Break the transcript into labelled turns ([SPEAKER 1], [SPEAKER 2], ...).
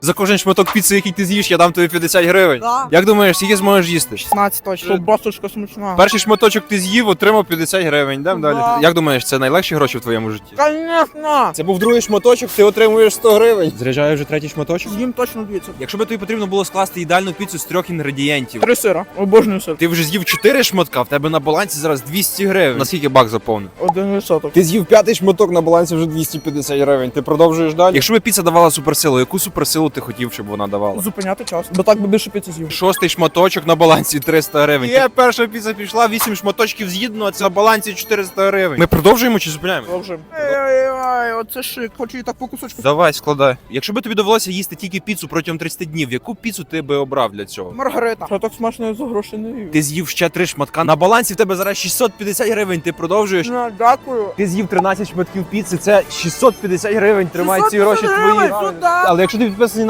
[SPEAKER 1] За кожен шматок піци, який ти з'їш, я дам тобі 50 гривень.
[SPEAKER 2] Да.
[SPEAKER 1] Як думаєш, скільки зможеш їсти?
[SPEAKER 2] 16 точно. Ковбасочка смачна.
[SPEAKER 1] Перший шматочок ти з'їв, отримав 50 гривень. Йдемо
[SPEAKER 2] Да.
[SPEAKER 1] далі. Як думаєш, це найлегші гроші в твоєму житті?
[SPEAKER 2] Конечно.
[SPEAKER 1] Це був другий шматочок, ти отримуєш 100 гривень. Заряджаю вже третій шматочок.
[SPEAKER 2] З'їм точно 200.
[SPEAKER 1] Якщо би тобі потрібно було скласти ідеальну піцу з 3 інгредієнтів,
[SPEAKER 2] 3 сира. Обожнюю сир.
[SPEAKER 1] ти вже з'їв 4 шматка, в тебе на балансі зараз 200 гривень. Наскільки бак заповнив?
[SPEAKER 2] 1%.
[SPEAKER 1] Ти з'їв 5-й шматок, на балансі вже 250 гривень. Ти продовжуєш далі? Якщо би піца давала суперсилу, яку суперсилу ти хотів, щоб вона давала?
[SPEAKER 2] Зупиняти час. Бо так би більше піци з'їв.
[SPEAKER 1] 6-й шматочок на балансі 300 гривень. Є, перша піца пішла, 8 шматочків з'їдено, а це на балансі 400 гривень. Ми продовжуємо чи зупиняємо?
[SPEAKER 2] Продовжуємо. Ей, оце шик. Хочу її так по кусочку.
[SPEAKER 1] Давай, складай. Якщо би тобі довелося їсти тільки піцу протягом 30 днів, яку піцу ти би обрав для цього?
[SPEAKER 2] Маргарита. Що так смачно я за гроші не їв.
[SPEAKER 1] Ти з'їв ще 3 шматка. На балансі в тебе зараз 650 гривень. Ти продовжуєш?
[SPEAKER 2] Дякую.
[SPEAKER 1] Ти з'їв 13 шматків піци, це 650 гривень. Тримай ці гроші
[SPEAKER 2] 650
[SPEAKER 1] твої.
[SPEAKER 2] гривень, сюди.
[SPEAKER 1] Але якщо ти підписаний